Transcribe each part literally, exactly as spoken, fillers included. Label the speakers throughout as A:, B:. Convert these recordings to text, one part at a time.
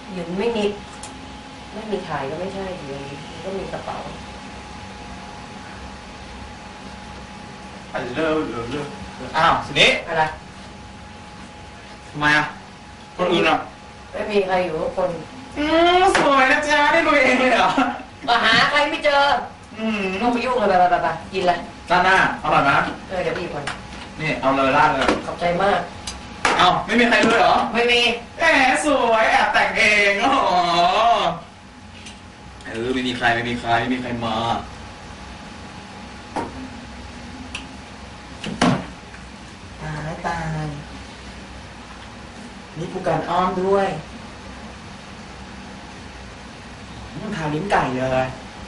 A: หยุนไม่นิดไม่มีถ่ายก็ไม่ใช่หยุนก็มีกระเป๋า
B: อาจจะเลิกเลิกเลิกอ้าวสินี้
A: อะไร
B: ทำไมอ่ะคนอื่นอ่ะ
A: ไม่มีใครอยู่กับคน
B: อืมสวยนะจ๊ะได้ดูเองเลยเหรอ
A: มาหาใครไม่เจออืมต้องไปยุ่งเลยไปไปไปกินเลย
B: ด้านหน้าอร่อยไหม
A: เออเดี๋ยวพี่ก่อน
B: นี่เอาเลยราดเลย
A: ขอบใจมาก
B: เอาไม่มีใครเลยเหรอ
A: ไม่มี
B: แหมสวยแอบแต่งเองอ๋อเออไม่มีใครไม่มีใครไม่มีใครมาตายตายนี่ผู้การอ้อมด้วยทาลิ้นไก่เลย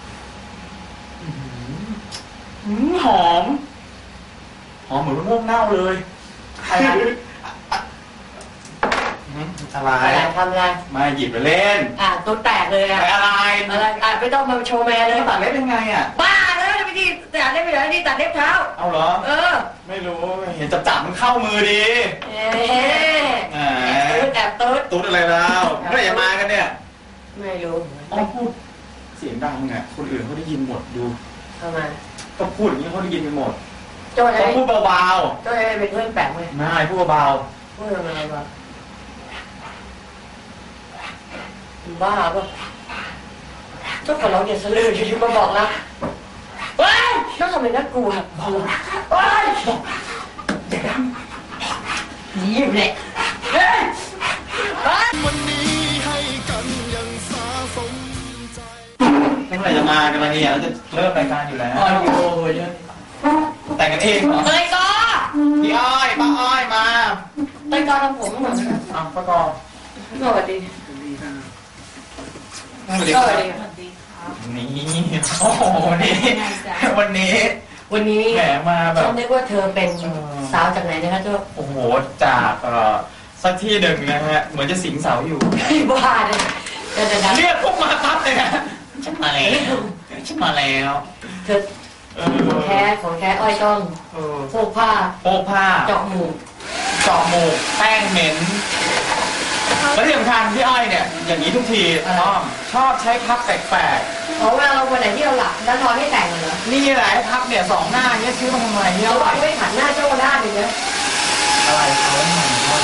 B: หืมหอมหอมเหมือนมะม่วงเน่าเลยอะไร
A: อะไรทำอะไร
B: มาหยิบไปเล่น
A: อ่ะตัวแตกเลยอ่ะ
B: อะไร
A: อะไรอ่ะไม่ต้องมาโชว์แม่เลย
B: ตัดเล็บยังไงอ่ะ
A: บ้าเลยไม่ดีตัดเล็บไปไหนนี่ตัดเล็บเท้า
B: เอาเหรอ
A: เออ
B: ไม่รู้เห็นจับจับมันเข้ามือดี
A: เอ๊ะตุ๊ดแอบตุ๊ด
B: ตุ๊ดอะไรแล้วเมื่อไหร่จะมากันเนี่ย
A: ไม่รู้
B: อ๋อพูดเสียงดังอ่ะคนอื่นเขาได้ยินหมดดู
A: ทำไม
B: ก็พูดอย่างนี้เขาได้ยินกันหมด
A: ต้อง
B: พูดเบา
A: ๆต้องให้เป็นเพื่อนแปลกไหม
B: ไม่พูดเบา
A: พูดอะไรบ้างบ้าป่ะเจ้าของเราเนี่ยสลืออยู่ๆมาบอกนะเฮ้ยต้องทำเป็นน่ากลัวเฮ้ยเด็กดำยิ้มเลยเฮ้ย
C: วันนี้ให้กันยังสาสมใจ
B: เมื่อไหร่จะมากันมาเนี่ยเราจะเริ่มรายการอยู่แล้ว
A: อ๋อโอ้ย
B: แต่งกันเองเหรอ
A: เต้ยกอ
B: พี่อ้อยป้าอ้อยมา
A: เต้ยกอทำผมเหมือนกัน
B: อ้าวป้ากอ
A: สวัสดี
B: สวัสดีครับนี่โอ้โหนี่วันนี้
A: วันนี้
B: แหมมาแบบ
A: ฉันนึกว่าเธอเป็นสาวจากไหนนะคะเจ้า
B: โอ้โหจากเอ่อสักที่หนึ่งนะฮะเหมือนจะสิงเสาอยู่
A: บ้าเลย
B: เรียกพวกมาปั๊บเลยนะฉันมาแล้วฉันมาแล้ว
A: เธอของแท้ของแท้อ้อยต้องโพกผ้า
B: โพกผ้า
A: เจาะหมู
B: เจาะหมูแป้งเหม็นแล้วที่สำคัญพี่อ้อยเนี่ยอย่างนี้ทุกทีชอบชอบใช้พับแปลก
A: ๆเพราะว่าเราวันไหนที่เราหลับแล้วนอนไม่แต่งเลย
B: นี่แหละพับเนี่ยสองหน้าเนี่ยซื้อมาทำไมเนี่ย
A: เราไม่หันหน้าเจ้าหน้าเลยนะ
B: อะไรเขาไม่หันหน้า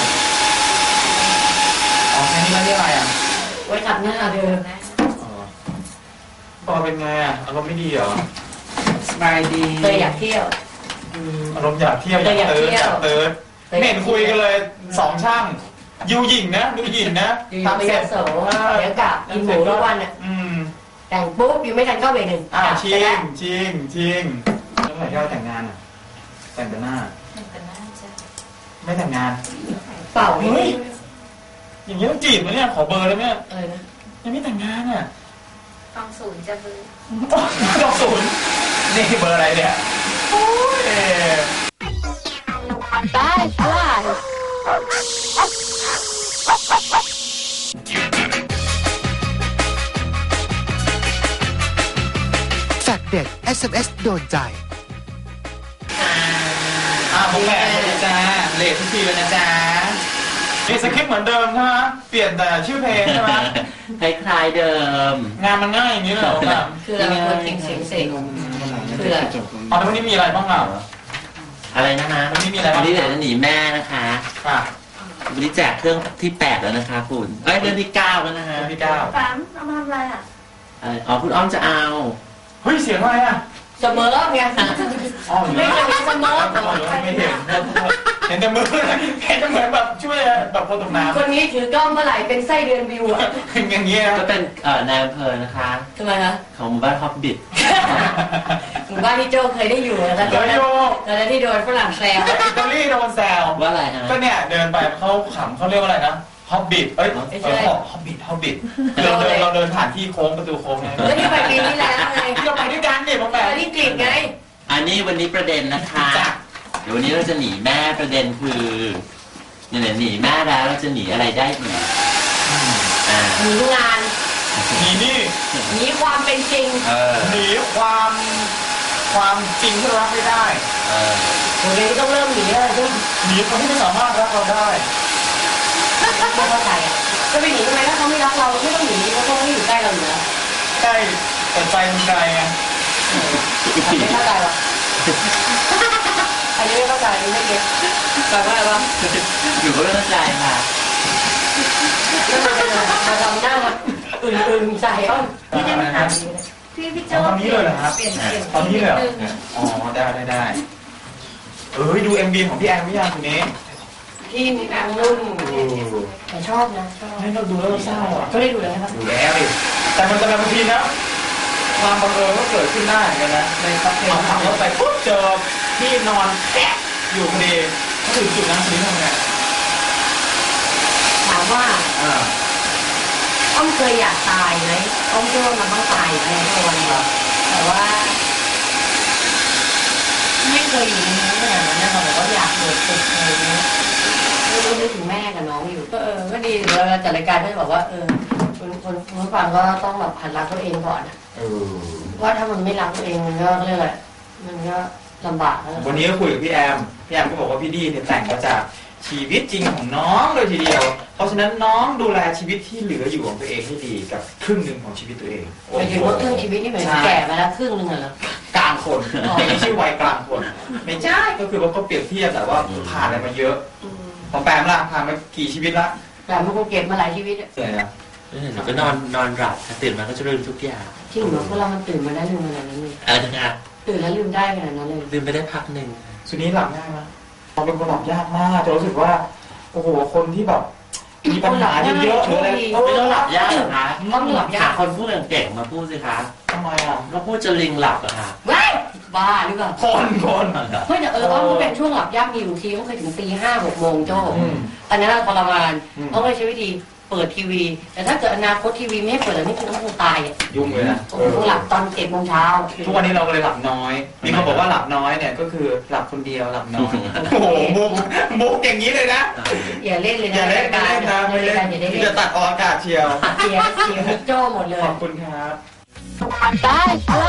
B: อ๋อแค่นี้แล้วนี่อะไรอ่ะ
A: ไว้ขัดหน้าเดิมนะ
B: ปอเป็นไงอ่ะอารมณ์ไม่ดีเหรอ
A: สบายดีเตยอยากเที่ยว
B: อารมณ์อยากเที่ยวอยากเติร์ดอยากเติร์ดไม่เห็นคุยกันเลยสองช่างยูหญิงนะดูหญิงนะ
A: ทำเสร็จโสเดี๋ยวกลับกินหมูทุกวันอ่ะแต่งปุ๊บยังไม่ทันเข้าไปหนึ่ง
B: อ้าวชิงชิงชิงแล้วไหนที่เราแต่งงานอ่ะแต่งแต่หน้าแต่งแต่หน้าใช่ไม่แต่งงาน
A: เปล่าเฮ้ย
B: อย่างนี้ต้องจีบมั้ยเนี่ยขอเบอร์ได้ไหม
A: เออนะ
B: ยังไม่แต่งงานอ่ะ
D: ต้องศูนย์จะเบอร์
B: ต้องศูนย์นี่เบอร์อะไรเนี่ยโอ้ย
D: ได้อะไร
C: แฟกเด็ด เอส เอ็ม เอส โดนใจ
B: อ้าวผมแปลเลยจ้าเลททุกทีเลยนะจ๊ะนี่สคริปต์เหมือนเดิมใช่ไหมเปลี่ยนแต่ชื่อเพลงใช่ไหม
E: คล้ายๆเดิม
B: งานมันง่ายอย่างนี้เหรอแบบ
A: คือเราเป็นคนเสียงเสียงคืออะไร
B: อ๋อแล้ววันนี้มีอะไรบ้างอ่ะ
E: อะไรนะคะ
B: วันนี้มีอะไร
E: วันนี้เดี๋ยวจะหนีแม่นะคะ
B: ค่ะ
E: วันนี้แจกเครื่องที่แปดแล้วนะคะคุณเอ้ยเดือนที่เก้าแล้วนะฮะ
B: ที่เก้า
D: ปั๊มเอามาทำอะไรอ่ะ
E: อ๋อคุณอ้อมจะเอา
B: เฮ้ยเสียงอะไรอ่ะ
A: เสมอไง
B: อ๋อ
A: ไม่เคยเห็นเสมอ
B: ไม่เห็นเห็นแต่มือเห็นแต่เหมือนแบบช่วยแบบคนตกน้ำ
A: คนนี้ถือกล้องเมื่อไหร่เป็นไส้เดือนวิวอ่ะ
B: อย่างเงี้ย
E: ก็เป็นเอ่อนายอำเภอนะคะ
A: ทำไมคะ
E: ของหมู่บ้านฮอบบิท
A: หมู่บ้านที่โจเคยได้อยู่แล้ว
B: เคยอยู่
A: แล้วที่โดนฝรั่งแซว
B: อิตาลีโดนแซว
E: ว่าอะไรฮะ
B: ก็เนี่ยเดินไปเขาขำเขาเรียกว่าอะไรนะฮอบบิทเอ้ยฮอบบิทฮอบบิทเราเดินเราเดินผ่านที่โค้งประตูโค้งไง
A: แล้วที่ไปปีที่แล้วไง
B: ที่เราไปด้วยกันเนี่ยผมแบบ
A: ที่กลิ่นไง
E: อันนี้วันนี้ประเด็นนะคะเดี๋ยววันนี้เราจะหนีแม่ประเด็นคือเนี่ยหนีแม่แล้วเราจะหนีอะไรได้อีก
A: หนีงาน
B: หนีนี่
A: หนีความเป็นจริง
B: หนีความความจริงที่เรารับไม่ได้
A: วันนี้ต้องเริ่มหนีอะไรด้วย
B: หนีคนที่ไม่สามารถรักเราได้
A: ไม่เข้าใจอ่ะจะไปหนีทำไมถ้าเขาไม่รักเราเราไม่ต้องหนีเพราะเขาไม่อยู่ใกล้เราอยู่แล้ว
B: ใกล้แต่ใจมันไกลไง
A: อันนี้ไม่เข้าใจหรออันนี้ไม่เข้าใจอันนี้ไม่เก็ตแปลว่าอะไรวะ
E: อยู่ก็ไม่เข้าใจค่ะ
A: แล้วมันเป็นอะไรมาทำหน้ามาอื่นๆใส่อ้อม
D: พี่ได้มาถามพี่พี่โจ้
B: ตอนนี้เลยเหรอครับ
D: เปลี่ยนเปลี่ยน
B: ตอนนี้เลยเหรอ
D: นิดนึง
B: อ๋อได้ได้ได้เออดู เอ็ม วี ของพี่แอนไม่ยากทีนี้
A: ที่มีนางนุ่นแต่ชอบนะชอบ
B: ให้เราดูแล้วเราเศร้าอ่ะ
A: ก็ได้ดูแล้วนะครับ
B: ดูแล้วดิแต่มันจะบางทีนะความบังเอิญก็เกิดขึ้นได้เหมือนกันนะ
A: ในซับเพล
B: เอา
A: ง
B: ขับรถไปปุ๊บเจอพี่นอนแอะอยู่พอดีก็ถึงจุดนั้นทีนี้ทำไง
A: ถามว่า
B: อ่า
A: อ้อมเคยอยากตายไหมอ้อมเชื่อว่ามันต้องตายแน่นอนแต่ว่า ไม่เคยอยู่ในนี้ขนาดนั้นนะแต่ว่าอยากเกิดตึกอะไรเงี้ยไม่รู้นึกถึงแม่กับน้องอยู่ก็เออก็ดีเวลาจัดรายการก็จะบอกว่าเออคนคนคนฟังก็ต้องแบบหัดรักตัวเองก่อนอะ
B: เออ
A: ว่าถ้ามันไม่รักตัวเองมันก็เรียกอะไรมันก็ลำบากนะ
B: วันนี้ก็คุยกับพี่แอมพี่แอมก็บอกว่าพี่ดีเนี่ยแต่งมาจากชีวิตจริงของน้องเลยทีเดียว เพราะฉะนั้นน้องดูแลชีวิตที่เหลืออยู่ของตัวเองให้ดีกับครึ่งหนึ่งของชีวิตตัวเอง
A: หมายถึงว่าครึ่งชีวิตนี่เหมือนแก่มาแล้วครึ่งหนึ่งอะเหรอ
B: กลางคน
A: อ๋อ
B: ไม่ใช่วัยกลางคนไม่ใช่ก็คือว่าเขาเปรียบเทียบแต่ว่าผ่านอะไรมาเยอะ
A: อืม
B: ของแปมล่ะผ่านมากี่ชีวิตละ
A: แต่มันคงเก็บมาหลายชีวิตอะ
B: เหนื่อยนะ
E: เออหนูก็นอนนอนหลับค่ะตื่นมาก็จะลืมทุกอย่าง
A: จริงเหรอเวลามันตื่นมาได้ลืมขนาดนั้นเลย
E: อะไรนะคะ
A: ตื่นแล้วลืมได้ขนาดนั้นเลย
E: ลืมไปได้พักหนึ่ง
B: สุนี้หลับง่ายไหมเราเป็นคนหลับยากมากจะรู้สึกว่าโอ้โหคนที่แบบมีปัญหาเยอะๆหรืออะไร
E: ไม่ต้องหลับยากหรอคะ
A: ต้องหลับยาก
E: หคนพูดเก่งๆมาพูดสิคะ
B: ทำไมอ่ะ
E: ก็พูดจะลิงหลับอะค่ะ
A: ว้ายบ้าหรือเปล่า
B: คนคน
A: เฮ้ยแต่เอออ้อมก็เป็นช่วงหลับยากมีอยู่ทีก็เคยถึงตีห้าหกโมงโจ้
B: อืม
A: อันนั้นทรมาน
B: อืม
A: อ้อมก็ใช้วิธีเปิดทีวี แต่ถ้าเกิดอนาคตทีวีไม่ให้เปิดแล้วนี่คือต้องคงตายอ่ะ
B: ยุ่งเลยนะ
A: ผมคงหลับตอนเจ็ดโมงเช้า
B: ทุกวันนี้เราเลยหลับน้อยมีคนบอกว่าหลับน้อยเนี่ยก็คือหลับคนเดียวหลับน้อยโอ้โหมุกมุกอย่างนี้เลยนะ
A: อย่าเล่นเลย
B: อ
A: นะ
B: ย่าเล่นไม่เล่นนะ
A: ใน
B: ไม่
A: รา
B: เล่
A: ย
B: น
A: การอย่าได้เล่น
B: จะตัดออกอากาศเชียว
A: เสียเสียมุกโจ้หมดเลย
B: ขอบคุณครับ
D: ได้อะไร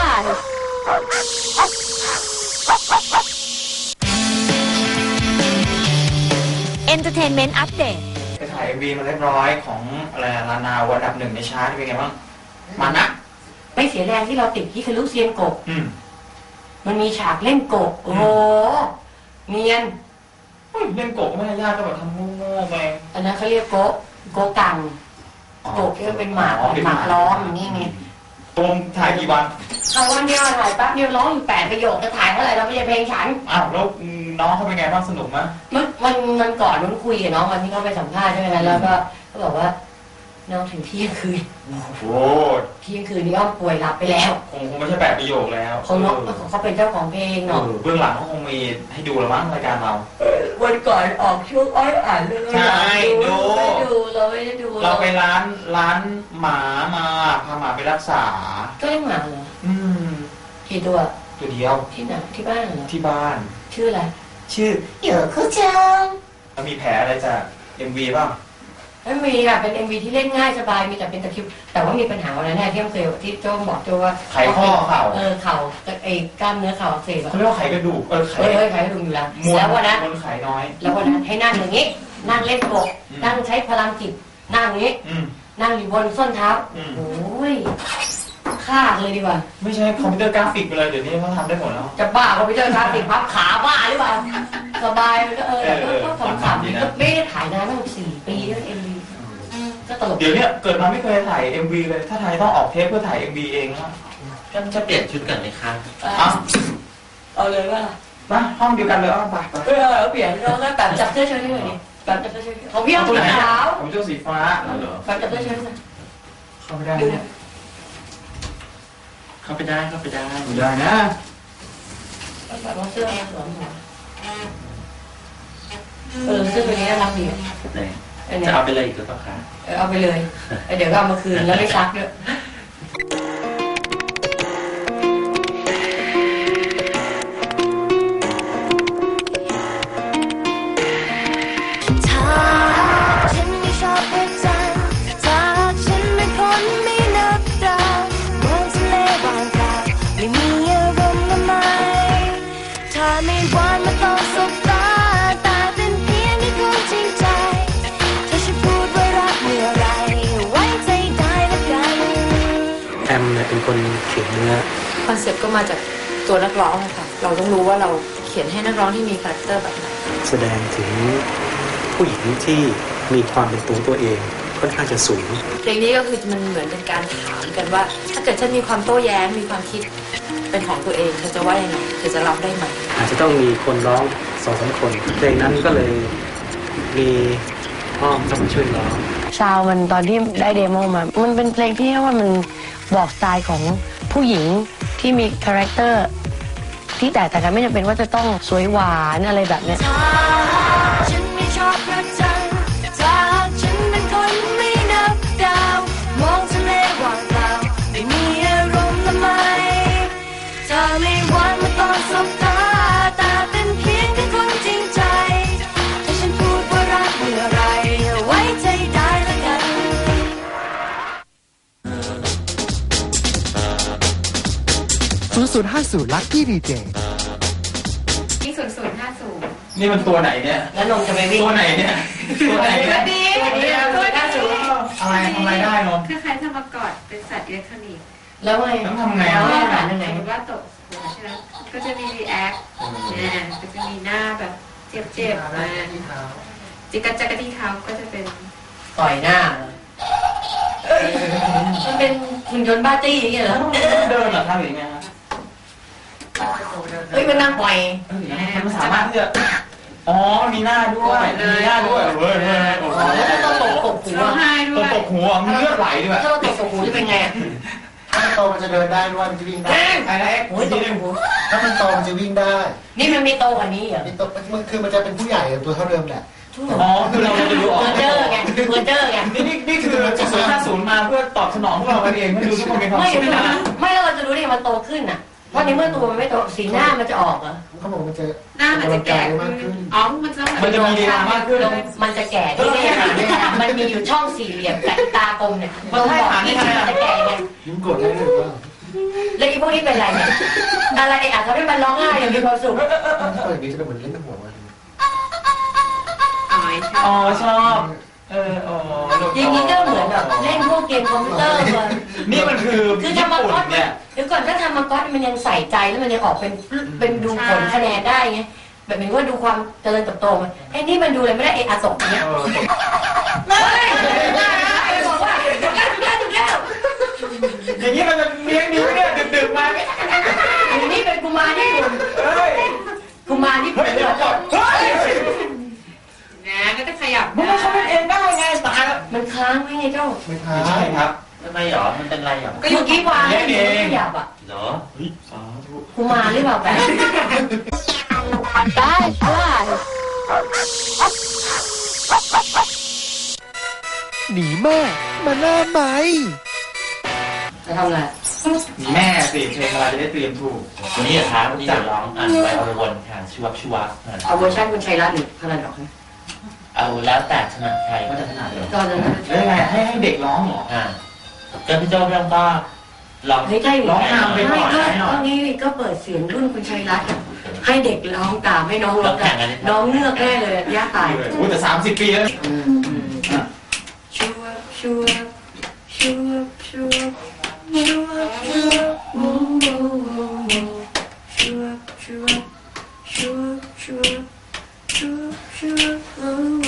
F: Entertainment Update
B: ไปถ่าย เอ็ม วี มาเรียบร้อยของอะไรนะลานาวันดับหนึ่งในชาร์ตเป็นไงบ้างมันนะ
A: ไม่เสียแรงที่เราติดที่คือลูกเซียนกบ
B: อืม
A: มันมีฉากเล่นกบโอ้โหเนียน
B: เฮ้ยเล่นโกะก็ไม่ได้ยากก็แบบทำโง่ๆไป
A: อันนั้นเขาเรียกโกะโกะกังโกะที่มันเป็นหมาหมาล้อมอย่างนี้ไง
B: ตรงถ่ายกี่วัน
A: เอาวันเดียวถ่ายแป๊บเดียวร้องอยู่แปดประโยคจะถ่ายเท่าไหร่เราไม่ใช่เพลงฉัน
B: อ้าวแล้วน้องเขาเป็นไงบ้างสนุกไหม
A: มันมันมันก่อนมันคุยกับน้องวันที่เขาไปสัมภาษณ์ใช่ไหมคะแล้วก็เขาบอกว่าน้องถึงเที่ยงคืน
B: โอ้
A: เที่ยงคืนนี้อ้อมป่วยหลับไปแล้ว
B: คงคงไม่ใช่แปดประโยคแล้ว
A: เขาน้องเขาเป็นเจ้าของเพลง
B: เอ
A: เนาะ
B: อเบื้องหลังเขาคงมีให้ดูแล้วมั้งรายการเรา
A: วันก่อนออกช่วงอ้อยอ่านเรื่อง
B: ใช่ดู
A: ไม่ดูเราไม่ได้ดู
B: เราไปร้านร้านหมามาพาหมาไปรักษา
A: ก็เลี้ยงหมาเหรอ
B: อืม
A: กี่ตัว
B: ตัวเดียว
A: ที่ไหนที่บ้านเหรอ
B: ที่บ้าน
A: ชื่ออะไร
B: ชื่อ
A: เดี๋ยวเขาจัง
B: แล้วมีแผลอะไรจาก เอ็ม วี บ้าง
A: ไม่มีค่ะเป็น เอ็ม วี ที่เล่นง่ายสบายมีแต่เป็นตะคริวแต่ว่ามีปัญหาวันนั้นเนี่ยที่เคยที่โจ้บอกโจ้ว่า
B: ไขข้อเข่า
A: เออเข่าไอ้กล้ามเนื้อเข่าอักเสบอะ
B: เขาเรียกว่าไขกระดูกเออไข
A: เฮ้ยเฮ้ยไขกระดูกอยู่แล้ว
B: มวล
A: แล้ววันนั้น
B: มวลไขน้อย
A: แล้ววันนั้นให้นั่งอย่างนี้ นั่งเล่นกบ
B: อืม
A: นั่งใช้พลังจิตนั่งอย่างนี้
B: อืม
A: นั่งอยู่บนส้นเท้า
B: อืม
A: โอ้ยฆ่าเลยดีกว่า
B: ไม่ใช่คอมพิวเตอร์กราฟิกไปเลยเดี๋ยวนี้เขาทำได้หมดแล้ว
A: จะบ้าคอมพิวเตอร์กราฟิกพับขาบ้าหรือเปล่าสบายมันก็เออ
B: เออเออ
A: ก็ขำๆ
B: ดีนะ
A: ก็ไม่ได้ถ่ายนานตั้งสี่ปีแล้วเอ็มวีก็ตลก
B: เดี๋ยวเนี้ยเกิดมาไม่เคยถ่าย เอ็ม วี เลย ถ้าถ่ายต้องออกเทปเพื่อถ่าย เอ็ม วี เองนะ
E: ก็จะเปลี่ยนชุดก่อนไหมคะ
B: อ่ะ
A: เอาเลยว่า
B: มาห้องเดียวกันเลยอ้อไปไป
A: เออเอาเปลี่ยนแล้วก็แบบจับเสื้อเชิ้ตให้หน่อยดิแบบจับเสื้อเชิ้ตของพี่อ้อม
B: ตัว
A: สี
B: ไหน
A: ขาว
B: ผมเจ้าสีฟ้า
A: แบบจับเสื้อเชิ้ตหน่อย
B: เข้าไม่ได้
A: ดู
B: เนี่ย
E: เข้าไปได้เข้าไปได้
B: ไม่ได้นะ
A: แบบว่าเสื้อมันสวมหัวเออเสื้อตัวนี้น่ารักดีอ่ะ
E: ไหน
A: อันเนี้
E: จะ
A: ย
E: เอาไปเลยอีกหรือเปล่าคะ
A: เออเอาไปเลยเดี๋ยวก็เอามาคืนแล้วไม่ซักด้วย
F: ถ้าฉันไม่ชอบประจันถ้าฉันเป็นคนไม่นับดาวเหมือนทะเลว่างเปล่าไม่มีอารมณ์ละไมถ้าไม่หวานมาต้องสบตาแต่เป็นเพียงแค่คนจริงใจถ้าฉันพูดว่ารักเมื่อไร
G: คนเขียนเนื้อ
H: คอนเซ็ปต์ก็มาจากตัวนักร้องค่ะเราต้องรู้ว่าเราเขียนให้นักร้องที่มีคาแรคเตอร์แบบไหน
G: แสดงถึงผู้หญิงที่มีความเป็นตัวตัวเองค่อนข้างจะสูง
H: เพลงนี้ก็คือมันเหมือนเป็นการถามกันว่าถ้าเกิดฉันมีความโต้แย้งมีความคิดเป็นของตัวเองเธอจะว่ายังไงเธอจะรับได้ไหม
G: อาจจะต้องมีคนร้องสองสามคนเพลงนั้นก็เลยมีอ้อมเข้ามาช่วยร้อง
I: ซาวมันตอนที่ได้เดโมมามันเป็นเพลงที่ว่ามันบอกสไตล์ของผู้หญิงที่มีคาแรคเตอร์ที่แตกต่างกันไม่จำเป็นว่าจะต้องสวยหวานอะไรแบบเนี้ย
F: ฉันไม่ชอบพระจันทร์ถ้าฉันเป็นคนไม่นับดาวมองทะเลว่างเปล่าไม่มีอารมณ์ละไมเธอไม่หวานมาตอนสบตาแต่เป็นเพียงแค่คนจริงใจถ้าฉันพูดว่ารักเมื่อไรไว้ใจได้ละกัน
C: ศูนย์ ศูนย์ ห้า ศูนย์ Lucky ดี เจ
D: นี่ศูนย์ ศูนย์ ห้า ศูนย์
B: นี่มันตัวไหนเนี่ย
A: แล้วนมจะไปวิ่ง
B: ตัวไหนเนี่ยตัวไหนเนี่ย
D: ดี
A: ตัวก้าสูง
B: อะไรทำอะไรได้นม
D: คล้ายๆทำมากอดเป็นสัตว์อิเล็กทรอนิกส์
A: แล้วไง
B: ต้องทำไงอ่ะ
A: อาหารยังไง
D: สมมติว่าตกหัวใช่ไหมก็จะมีรีแอคเนี่ยก็จะมีหน้าแบบเจ็บๆมาจิกกัดจักรที่เท้าก็จะเป็น
A: ต่อยหน้ามันเป็นหุ่นยนต์บ้าจี้อย่างเงี้ยเหรอ
B: เดินเหรอทำอย่างเงี้ย
A: เฮ้ยมันนั่งปล่อย
B: มันสามารถที่จะอ๋อมีหน้าด้วยมีหน้าด้วยเฮ้ยโอ้โห
A: ต้องตกตกหัว
B: ตกตกหัวมันเลือดไหลด้วย
A: ถ้าเราตกตกหัวจะเป็นไง
J: ถ้ามันโตมันจะเดินได้ด้วยมันจะวิ่งได้
A: อะไรโอ้ยตกหัว
J: ถ้ามันโตมันจะวิ่งได้
A: นี่มันมีโตกว่านี้เหรอ
J: มีโตมันคือมันจะเป็นผู้ใหญ่ตัวเท่าเดิมแหละ
B: อ๋อคือเราจะดูออก
A: เมอร์เจอร์ไงเมอร์เจอร์ไง
B: นี่นี่คือจุดศูนย์ห้าศูนย์มาเพื่อตอบสนองพวกเราเองไม่ดูทุกคนมีความสุขนะ
A: ไม่แล้วเราจะรู้ได้มันโตขึ้นอ่ะเพราะในเมื่อตัวมันไม่โตสีหน้ามันจะออกเหรอ
J: เขาบอกมันจะ
D: หน้ามันจะแก่มากขึ้นอ๋อมันจะ
B: มันจะมีลีลามากขึ้น
A: มันจะแก่ที่นี่มันมีอยู่ช่องสี่เหลี่ยมแต่ตากลมเนี่ยมันบอกที่มันจะแก่ไง
J: ยิ้มกดได้เลยว่า
A: แล้วอีพวกนี้เป็นอะไรเนี่ยอะไรอ่ะทำให้มันร้องไห้อย่างมีความสุข
J: ถ้าอย่างนี้จะเป็นเหมือนเล่นหัวมัน
B: อ๋อชอบเอออ๋อ
A: อย่างนี้ก็เหมือนแบบเล่นพวกเกมคอมพิวเตอร์เลย
B: นี่มันคือ
A: คือทำมาก๊อตเนี่ยเดี๋ยวก่อนถ้าทำมาก๊อตมันยังใส่ใจแล้วมันยังออกเป็นเป็นดูผลคะแนนได้ไงแบบเหมือนว่าดูความเจริญเติบโตมันไอ้นี่มันดูเลยไม่ได้เออาสกเนี่ยไม่บอกว่าถูกแล้วถูกแล้วถูกแล้ว
B: อย่างนี้มันจะเลี้ยงนิ้วเนี่ยดึกๆมา
A: นี่เป็นกุมารญี่ปุ่นกุมารญี่ปุ่นเลย
D: นะก็จะขยับ
B: มันเขาเป็นเองได้ไงตาย
A: มันค้างไว้ไงเจ้า
J: ไม่ค้าง
B: ใช่ครับ
E: ทำไมหรอมันเป็นไรหรอ
A: ก็อยู่ที่วางเองขยับอ่ะ
E: เหรอ
B: สาธุ
A: กุมารหรือเปล่าแบบ
I: ได้อะไร
C: หนีแม่มาหน้าไหม
A: จะทำอะไร
B: หนีแม่สิเพลงอะไรจะได้เตรียมถูก
E: วันนี้ครับวันนี้จะร้องอ่านไปเอาวนค่ะชัวร์ชัวร์
A: เอาเวอร์ชันคุณชัยรัตน์หรือพลันดอกไหม
E: เอาแล้วแต่ถนัดใครก็จะถนัดเลย
A: ก็จะ
B: แล้วไงให้ให้เด็กร้องเหรอ
E: อ่าก็พี่โจ้พี่ต้องก็ร้อง
A: ร้องนำไปก่อนก็นี่ก็เปิดเสียงรุ่นคุณชัยรัตน์ให้เด็กร้องตามให้น้องร้องน้องเลือกแน่เลยย่าตาย
B: โอ้แต่สามสิบปีแล้ว
A: ชัวชัวชัวชัวชัวชัวโอ้โหชัวชัวชัวชัวชัวชัวโอ้โห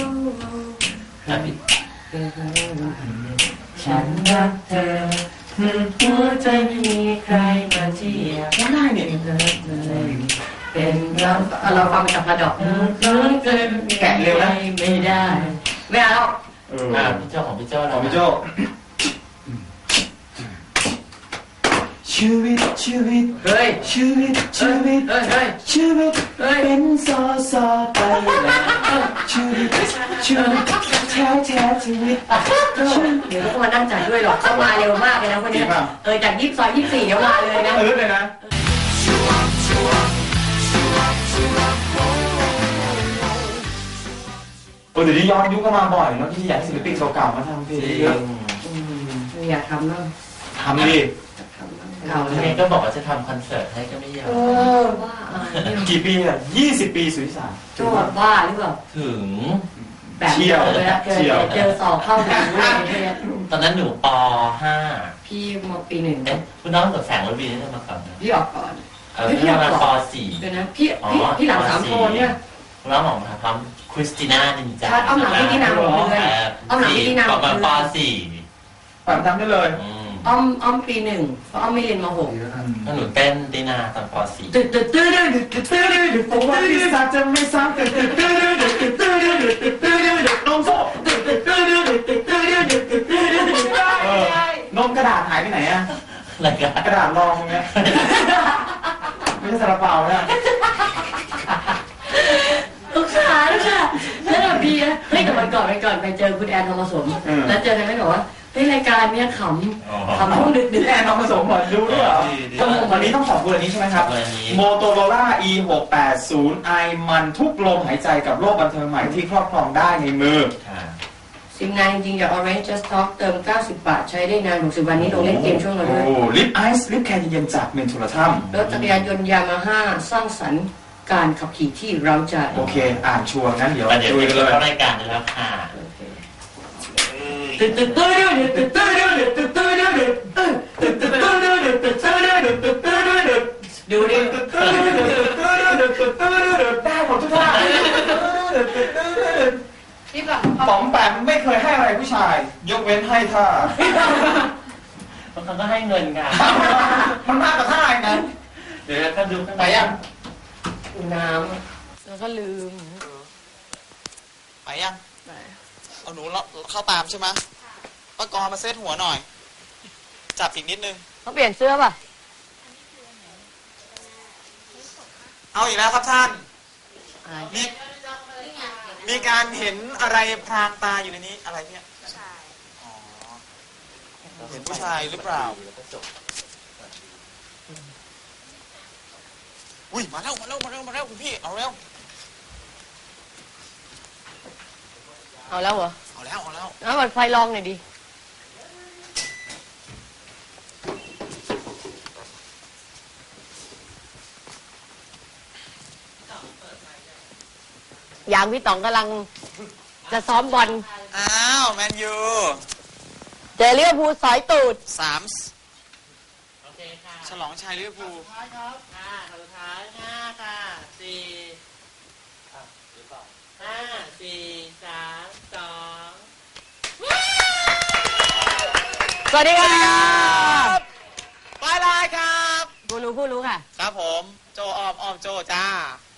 A: ฉันรักเธอหัวใจไม่มีใครมาเทียบ
B: ได้เนี่ย
A: เป็นเราเราฟังจากพระดอก
B: แกะเร็วนะ
A: ไม่ได้ไม่เอา
E: อ่าพี่โจ้ของพี่โจ้
B: ของพี่โจ้ชีวิตชีวิต
A: เฮ้ย
B: ชีวิตชีวิต
A: เฮ้ยเฮ้ย
B: ชีวิตเป็นซอซอไปแล้วชีวิตชีวิตแท้แท้ชีวิต
A: เดี๋ยวก็มานั่งจัดด้วยหรอกเข้ามาเร็วมากเลยนะคนนี้เออจากยี่สิบซอยยี่สิบสี่เดี๋ยวมาเลยนะ
B: เออเลยนะโอ้เดี๋ยวนี้ย้อนยุคก็มาบ่อยเนาะที่อยากศิลปินเก่าๆมาทำเพลงเยอะ
A: อยากทำเนาะ
B: ทำดิ
E: เขาเนี่ยก็บอกว่าจะทำคอนเสิร์ตให้ก็ไม่ยอม
A: ว่า
B: กี่ปีอ่ะยี่สิบปีสุริสาน
A: โจ้บ้าหรือเปล่า
E: ถึง
A: แบบ
B: เชี่ยว
A: เวลาเจอ
B: เชี่ยว
A: เจอสอบเข้าถึงเลย
E: ตอนนั้นหนูป ห้า
A: พี่มปีหนึ่ง
E: เอ๊ะคุณน้องกับแสงระวีนี่จะมาก่อนนะ
A: พี่ออกก่อน
E: เออพี่มาป สี่
A: เดี๋ยวนะพี่พี่พี่หลังสามโทนเนี่ย
E: คุณน้องของทำคริสติน่านินจา
A: ใช่อ้อมหลังพี่ตินาหกเดือนอ้อมหลังพี่ตินาห
E: ป
A: ก
E: ระ
A: เดื
E: มาณ
A: อน
E: ป สี่
B: แบบทำได้เลย
E: อืม
A: อ้อมอ้อมปีหนึ่งเพราะอ้อมไม่เรียนมหก
E: ถ้าหนูเต้นตินาตอนป สี่
A: ตึ๊ดตึ๊ดตึ๊ดตึ๊ดตึ๊ดตึ๊ดตึ๊ด
B: ผมว่าพี่สาวจะไม่ซ้ำตึ๊ดตึ๊ดตึ๊ดตึ๊ดตึ๊ดตึ๊ดตึ๊ดตึ๊ดตึ๊ดตึ๊ดนมโซ่ตึ๊ดตึ๊ดตึ๊ดตึ๊ดตึ๊ดตึ๊ดตึ๊ดตึ๊ดตึ๊ดเออนมกระดาษหายไปไหนอะ
E: อะไรกัน
B: กระดาษรองเนี้ยไม่ใช่ซาลาเปาเนี่ย
A: ลูกสาวลูกสาวแล้วแบบพี่นะเฮ้ยแต่วันก่อนไปก่อนไปเจอคุณแอนทองผสมแล้วเจอกันไม่บอกว่าเฮ้ยรายการเนี้ยขำขำช่วงดึกดึก
B: แอนน้องผสมหมดดูด้วยเหรอวันนี้ต้องขอบคุณอันนี้ใช่ไหมครับ Motorola อี หกแปดศูนย์ i มันทุกลมหายใจกับโลกบันเทิงใหม่ที่ครอบครองได้ในมือ
A: สิบงานจริงๆอย่าง Orange Just Talk เติมเก้าสิบบาทใช้ได้นานหกสิบวันนี้ลงเล่นเกมช่วงเราด้วย
B: โอ้ลิปไอซ์ลิปแคร์เย็นๆจากเมนทูลทัม
A: รถจักรยานยนต์ยามาฮ่าสร้างสรรค์การขับขี่ที่เราใจ
B: โอเค อ่านชัวร์งั้นเดี๋ยว
E: ประเดี๋ยว
B: ดู
E: ไป
B: กันเลย
E: เข้ารายการได้แล้วค่ะ
A: ตึ๊ดตึ๊ดตึ๊ดตึ๊ดตึ๊ดตึ๊ดตึ๊ดตึ๊ดตึ๊ดตึ๊ดตึ๊ดตึ๊ดตึ๊ดตึ๊ดตึ๊ดตึ๊ดตึ๊ดตึ๊ดดูดิ
B: ได้หมดทุกท่า
A: นี่ก่อน
B: ป๋อมแปมไม่เคยให้อะไรผู้ชาย ยกเว้นให้ท่า
E: บางครั้งก็ให้เงินค่ะ
B: มันมากกว่าท่าอีกนะ
E: เดี๋ยวก็ดูข้าง
B: ไหน
E: ใน
B: ยัง
A: น้
H: แล้วก็ลืม
B: ไปยังเอาหนูเข้าตามใช่ไหมป้ากรมาเซตหัวหน่อย จับอีกนิดนึง
H: เขาเปลี่ยนเสื้อป่ะ
B: เอาอีกแล้วครับท่าน
H: อะไร
B: มีมีการเห็นอะไรพรางตาอยู่ในนี้อะไรเนี่ยอ๋อเห็นผู้ชายหรือเปล่าอุ้ยมาแล้วมาแล้วมาแล้วมาแล้วคุณพี่เอาแล้ว
H: เอาแล้วเหรอ
B: เอาแล้วเอาแล้ว
H: แล้วเปิดไฟลองหน่อยดิ อย่างพี่ต๋องกำลังจะซ้อมบอล
B: อ้าวแมนยู
H: เจอลิเวอร์พูลสอยตูด
B: สาม
E: โอเคค่ะ
B: ฉลองชัยลิเวอร์พูล
E: ค่ะสุดท้ายห้าค่ะสี่หรือเปล่าห้าสี่สามสอง
H: สวัสดีค่ะ
B: บายบายครับ
H: ผู้รู้ผู้รู้ค่ะ
B: ครับผมโจออมออมโจจ้า